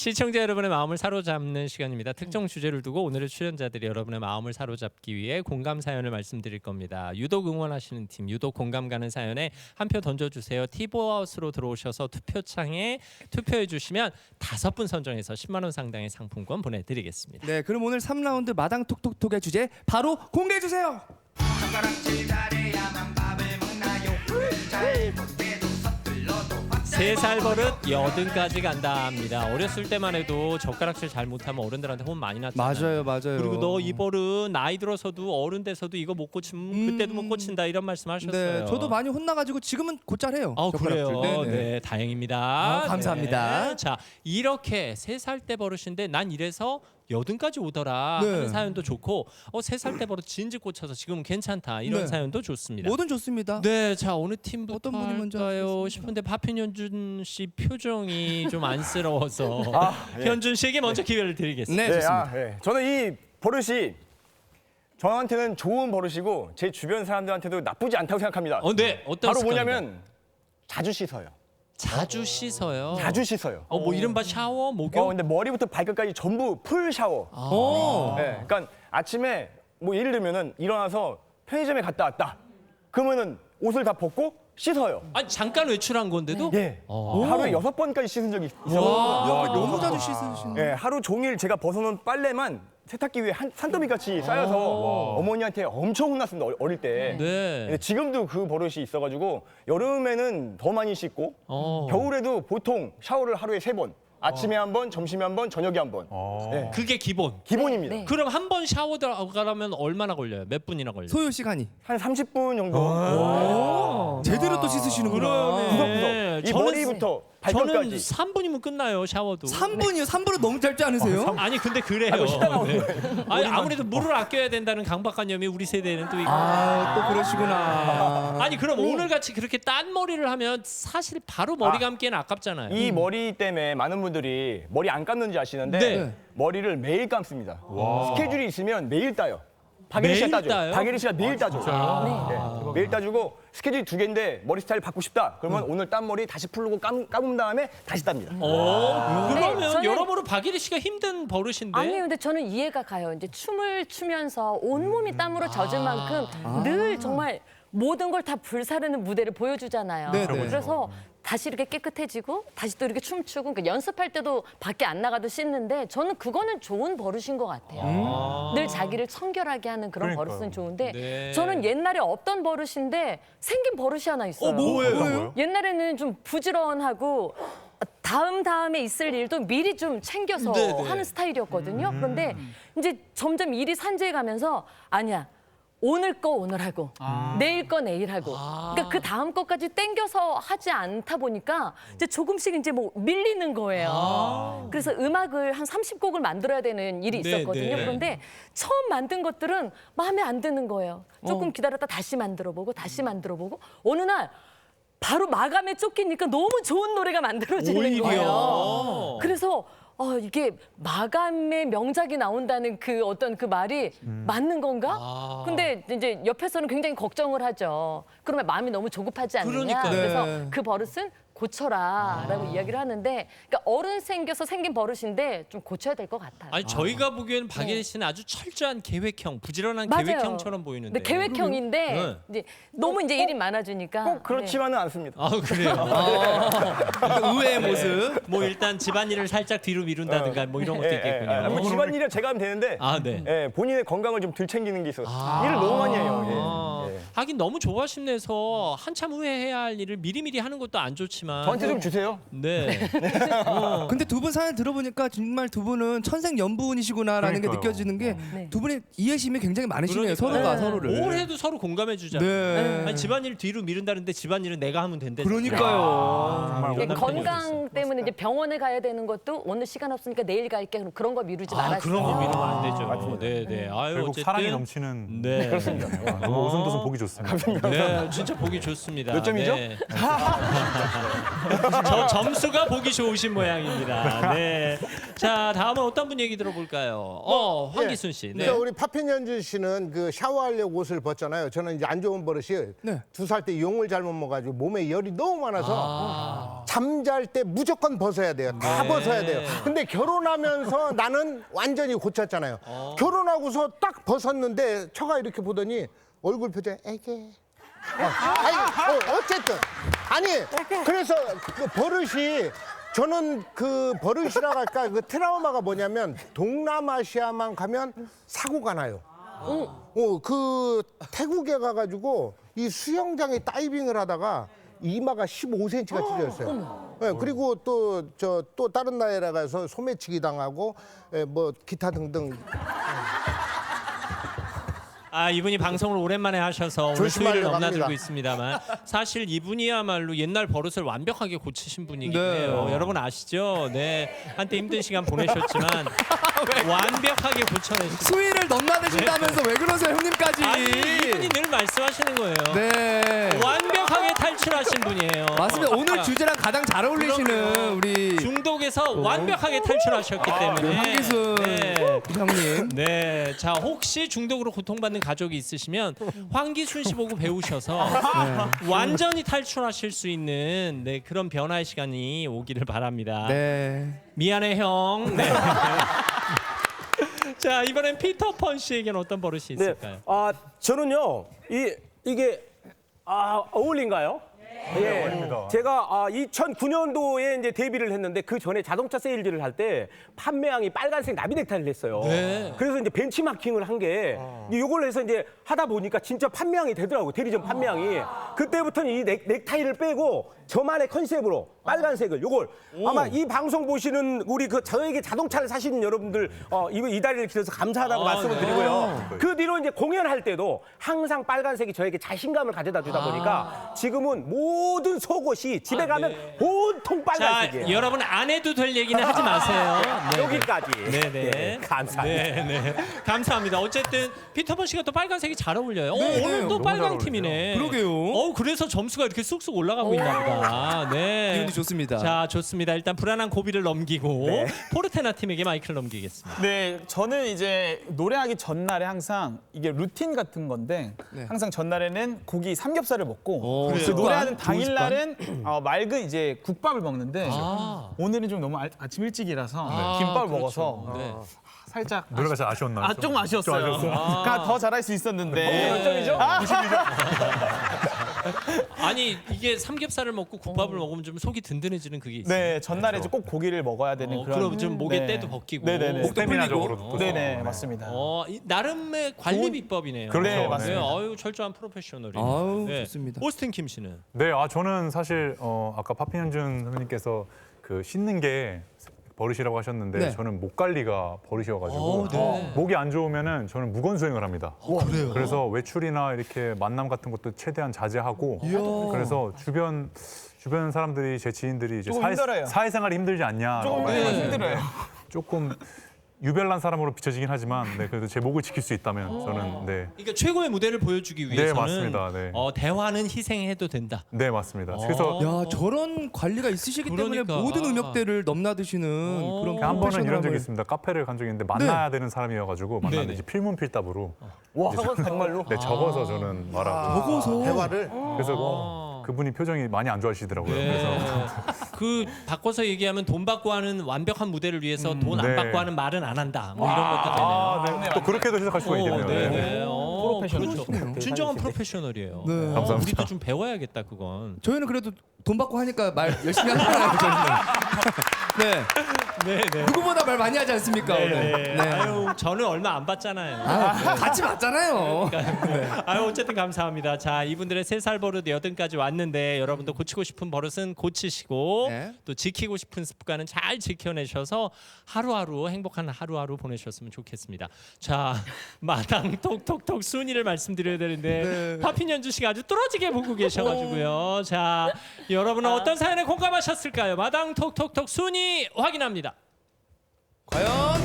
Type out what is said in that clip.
시청자 여러분의 마음을 사로잡는 시간입니다. 특정 주제를 두고 오늘의 출연자들이 여러분의 마음을 사로잡기 위해 공감 사연을 말씀드릴 겁니다. 유독 응원하시는 팀, 유독 공감 가는 사연에 한 표 던져주세요. 티보아웃으로 들어오셔서 투표창에 투표해 주시면 5분 선정해서 10만 원 상당의 상품권 보내드리겠습니다. 네, 그럼 오늘 3라운드 마당 톡톡톡의 주제 바로 공개해 주세요. 세 살 버릇 80까지 간다 합니다. 어렸을 때만 해도 젓가락질 잘못하면 어른들한테 혼 많이 났잖아요. 맞아요. 그리고 너 이 버릇 나이 들어서도 어른 돼서도 이거 못 고치면 그때도 못 고친다 이런 말씀하셨어요. 네, 저도 많이 혼나가지고 지금은 곧잘 해요. 그래요. 젓가락질. 네, 다행입니다. 감사합니다. 네. 자, 이렇게 3살 때 버릇인데 난 이래서 80까지 오더라 네. 하는 사연도 좋고 3살 때 버릇 진즉 고쳐서 지금은 괜찮다 이런 네. 사연도 좋습니다. 뭐든 좋습니다. 네, 자 어느 팀부터 어떤 분이 먼저 할까요 하시겠습니까? 싶은데 파핀현준 씨 표정이 좀 안쓰러워서 예. 현준 씨에게 먼저 기회를 드리겠습니다. 네, 좋습니다. 저는 이 버릇이 저한테는 좋은 버릇이고 제 주변 사람들한테도 나쁘지 않다고 생각합니다. 네, 어떤 바로 습관인가요? 뭐냐면 자주 씻어요. 자주 씻어요. 자주 씻어요. 뭐 이른바 샤워, 목욕. 근데 머리부터 발끝까지 전부 풀 샤워. 오. 네, 그러니까 아침에 뭐 예를 들면은 일어나서 편의점에 갔다 왔다. 그러면은 옷을 다 벗고 씻어요. 아니 잠깐 외출한 건데도 예. 하루에 6번까지 씻은 적이 있어요. 야, 너무 자주 씻으시네. 예, 하루 종일 제가 벗어놓은 빨래만 세탁기 위에 산더미 같이 쌓여서 어머니한테 엄청 혼났습니다. 어릴 때. 네. 근데 지금도 그 버릇이 있어가지고 여름에는 더 많이 씻고 겨울에도 보통 샤워를 하루에 3번. 아침에 한 번, 점심에 한 번, 저녁에 한 번. 네, 그게 기본. 기본입니다. 네. 그럼 한 번 샤워 들어가려면 얼마나 걸려요? 몇 분이나 걸려요? 소요 시간이 한 30분 정도. 제대로 또 씻으시는구나. 네. 이 머리부터 저는 발끝까지. 3분이면 끝나요 샤워도. 3분이요? 3분은 너무 짧지 않으세요? 아니 근데 그래요. 네. 아니 아무래도 물을 아껴야 된다는 강박관념이 우리 세대는 또 있고. 또 그러시구나. 아니 그럼 오늘 같이 그렇게 딴 머리를 하면 사실 바로 머리 감기에는 아깝잖아요. 이 머리 때문에 많은 분들이 머리 안 감는지 아시는데 네. 머리를 매일 감습니다. 스케줄이 있으면 매일 따요. 박예리 씨가 매일 따죠. 따요? 박예리 씨가 매일 따죠. 네. 매일 따주고 스케줄이 2개인데 머리 스타일 바꾸고 싶다. 그러면 오늘 딴 머리 다시 풀고 감은 다음에 다시 땁니다. 그러면 네, 저는- 여러모로 박예리 씨가 힘든 버릇인데. 아니요, 근데 저는 이해가 가요. 이제 춤을 추면서 온몸이 땀으로 젖은 만큼 늘 정말 모든 걸 다 불사르는 무대를 보여주잖아요. 네, 네. 그래서 다시 이렇게 깨끗해지고 다시 또 이렇게 춤추고 그러니까 연습할 때도 밖에 안 나가도 씻는데 저는 그거는 좋은 버릇인 것 같아요. 늘 자기를 청결하게 하는 그런 버릇은 좋은데 네. 저는 옛날에 없던 버릇인데 생긴 버릇이 하나 있어요. 뭐예요? 옛날에는 좀 부지런하고 다음에 있을 일도 미리 좀 챙겨서 네네. 하는 스타일이었거든요. 그런데 이제 점점 일이 산재해 가면서 아니야. 오늘 거 오늘 하고 내일 거 내일 하고 그러니까 그 다음 거까지 땡겨서 하지 않다 보니까 이제 조금씩 이제 뭐 밀리는 거예요. 그래서 음악을 한 30곡을 만들어야 되는 일이 네, 있었거든요. 네. 그런데 처음 만든 것들은 마음에 안 드는 거예요. 조금 기다렸다 다시 만들어 보고 다시 만들어 보고 어느 날 바로 마감에 쫓기니까 너무 좋은 노래가 만들어지는 오히려. 거예요. 그래서 이게 마감의 명작이 나온다는 그 어떤 그 말이 맞는 건가? 근데 이제 옆에서는 굉장히 걱정을 하죠. 그러면 마음이 너무 조급하지 않느냐? 그러니까요. 그래서 네. 그 버릇은 고쳐라라고 이야기를 하는데 그러니까 어른 생겨서 생긴 버릇인데 좀 고쳐야 될 것 같아요. 아니 저희가 보기에는 박예리 씨는 아주 철저한 계획형, 부지런한 맞아요. 계획형처럼 보이는데. 네, 계획형인데 네. 이제 너무 이제 일이 많아지니까 꼭 그렇지만은 않습니다. 아 그래요. 의외의 모습. 뭐 일단 집안일을 살짝 뒤로 미룬다든가 뭐 이런 것도 있겠군요. 뭐 집안일은 제가 하면 되는데 네. 예, 본인의 건강을 좀 덜 챙기는 게 있어요. 일을 너무 많이 해요. 예. 하긴 너무 조바심내서 한참 후에 해야 할 일을 미리미리 하는 것도 안 좋지만. 저한테 좀 주세요. 네. 근데 두 분 사연 들어보니까 정말 두 분은 천생연분이시구나라는 게 느껴지는 게 두 분의 이해심이 굉장히 많으시네요. 서로가 서로를. 뭘 해도 서로 공감해 주잖아요. 네. 아니 집안일 뒤로 미룬다는데 집안일은 내가 하면 된대. 그러니까요. 이게 이런 건강 때문에 이제 병원에 가야 되는 것도 오늘 시간 없으니까 내일 갈게 그럼 그런 거 미루지 말아주세요. 그런 거 미루면 안 되죠. 네, 네. 아유 결국 어쨌든 사랑이 넘치는 네. 너무 오순도순 보기 좋습니다. 네, 진짜 보기 좋습니다. 몇 점이죠? 네. 저 점수가 보기 좋으신 모양입니다. 네. 자, 다음은 어떤 분 얘기 들어볼까요? 황기순 씨. 네. 우리 파핀연준 씨는 그 샤워하려고 옷을 벗잖아요. 저는 이제 안 좋은 버릇이 네. 2살 때 용을 잘못 먹어가지고 몸에 열이 너무 많아서 잠잘 때 무조건 벗어야 돼요. 다 벗어야 돼요. 근데 결혼하면서 나는 완전히 고쳤잖아요. 결혼하고서 딱 벗었는데 처가 이렇게 보더니 얼굴 표정 애게. 어쨌든 아니 그래서 그 버릇이 저는 그 버릇이라 할까 그 트라우마가 뭐냐면 동남아시아만 가면 사고가 나요. 그 태국에 가가지고 이 수영장에 다이빙을 하다가 이마가 15cm가 찢어졌어요. 네, 그리고 또 다른 나라에 가서 소매치기 당하고 뭐 기타 등등. 이분이 방송을 오랜만에 하셔서 오늘 조심하려고 수위를 넘나들고 합니다. 있습니다만 사실 이분이야말로 옛날 버릇을 완벽하게 고치신 분이긴 네. 해요. 여러분 아시죠? 네. 한때 힘든 시간 보내셨지만 완벽하게 고쳐내신 수위를 넘나드신다면서 왜 그러세요, 형님까지? 아니, 이분이 늘 말씀하시는 거예요. 네. 완벽하게 탈출하신 분이에요. 맞습니다. 오늘 그러니까 주제랑 가장 잘 어울리시는 우리 중독에서 완벽하게 탈출하셨기 때문에 황기순 네. 형님. 네, 자 혹시 중독으로 고통받는 가족이 있으시면 황기순 씨 보고 배우셔서 완전히 탈출하실 수 있는 그런 변화의 시간이 오기를 바랍니다. 네. 미안해 형. 네. 자 이번엔 피터펀 씨에게는 어떤 버릇이 있을까요? 저는요 이게 어울린가요? 예, 제가 2009년도에 이제 데뷔를 했는데 그 전에 자동차 세일즈를 할 때 판매량이 빨간색 나비 넥타이를 했어요. 네. 그래서 이제 벤치마킹을 한 게 이걸 해서 이제 하다 보니까 진짜 판매량이 되더라고요. 대리점 판매량이. 그때부터는 이 넥타이를 빼고 저만의 컨셉으로 빨간색을 요걸 아마 이 방송 보시는 우리 저에게 자동차를 사시는 여러분들 이 다리를 길어서 감사하다고 말씀을 드리고요. 그 뒤로 이제 공연할 때도 항상 빨간색이 저에게 자신감을 가져다 주다 보니까 지금은 모든 속옷이 집에 가면 온통 자 빨간색이에요. 여러분 안 해도 될 얘기는 하지 마세요. 네. 여기까지. 네네. 네, 감사합니다. 네네. 감사합니다. 어쨌든 피터펀 씨가 또 빨간색이 잘 어울려요. 오늘 또 빨강 팀이네. 그러게요. 그래서 점수가 이렇게 쑥쑥 올라가고 있나 보다. 네. 기분이 좋습니다. 자, 좋습니다. 일단 불안한 고비를 넘기고 포르테나 팀에게 마이크를 넘기겠습니다. 네, 저는 이제 노래하기 전날에 항상 이게 루틴 같은 건데 항상 전날에는 고기 삼겹살을 먹고 그 습관? 노래하는 좋은 당일날은 맑은 이제 국밥을 먹는데 오늘은 좀 너무 아침 일찍이라서 김밥을 먹어서 네. 살짝 노래가 잘 아쉬웠나요? 좀 아쉬웠어요. 그러니까 더 잘할 수 있었는데. 열정이죠? 아니, 이게 삼겹살을 먹고 국밥을 먹으면 좀 속이 든든해지는 그게 있어요. 네, 전날에 이제 꼭 고기를 먹어야 되는 그런. 그럼 좀 목에 네. 때도 벗기고. 네네네. 스태미나적으로도. 네네, 맞습니다. 나름의 관리 비법이네요. 그렇죠. 네, 맞습니다. 아유, 철저한 프로페셔널이. 아우, 좋습니다. 오스틴 킴 씨는 네, 저는 사실 아까 파핀현준 선생님께서 그 씻는 게 버릇이라고 하셨는데 네. 저는 목 관리가 버릇이어가지고 네. 목이 안 좋으면은 저는 무건 수행을 합니다. 그래요? 그래서 외출이나 이렇게 만남 같은 것도 최대한 자제하고 그래서 주변 사람들이 제 지인들이 이제 조금 힘들어요. 사회생활이 힘들지 않냐 조금 힘들어요. 조금 유별난 사람으로 비춰지긴 하지만 그래도 제 목을 지킬 수 있다면 저는 그러니까 최고의 무대를 보여주기 위해서는 맞습니다. 네. 대화는 희생해도 된다. 네 맞습니다. 그래서 야, 저런 관리가 있으시기 때문에 그러니까. 모든 음역대를 넘나드시는 그런 한 번은 이런 적이 프로페셔널함을. 있습니다. 카페를 간 적이 있는데 만나야 되는 사람이어가지고 만났는데 네네. 이제 필문필답으로 와, 정말로? 네, 적어서 저는 말하고 적어서 대화를 그래서 그분이 표정이 많이 안 좋아하시더라고요. 그래서 그 바꿔서 얘기하면 돈 받고 하는 완벽한 무대를 위해서 돈 안 네. 받고 하는 말은 안 한다. 뭐 이런 것도 되네요. 네. 또 그렇게도 해석할 수가 있겠네요. 네, 네. 네. 그렇죠. 진정한 프로페셔널이에요. 네. 감사합니다. 우리도 좀 배워야겠다 그건. 저희는 그래도 돈 받고 하니까 말 열심히 하잖아요, 저희는. 네. 네. 누구보다 말 많이 하지 않습니까, 오늘? 네. 아유, 저는 얼마 안 받잖아요. 같이 맞잖아요. 아유, 어쨌든 감사합니다. 자, 이분들의 3살 버릇 8까지 왔는데 여러분도 고치고 싶은 버릇은 고치시고 네. 또 지키고 싶은 습관은 잘 지켜내셔서 하루하루 행복한 하루하루 보내셨으면 좋겠습니다. 자, 마당 톡톡톡 순위를 말씀드려야 되는데 파핀연주 씨가 아주 뚫어지게 보고 계셔가지고요. 자, 여러분은 어떤 사연에 공감하셨을까요? 마당 톡톡톡 순위 확인합니다. 과연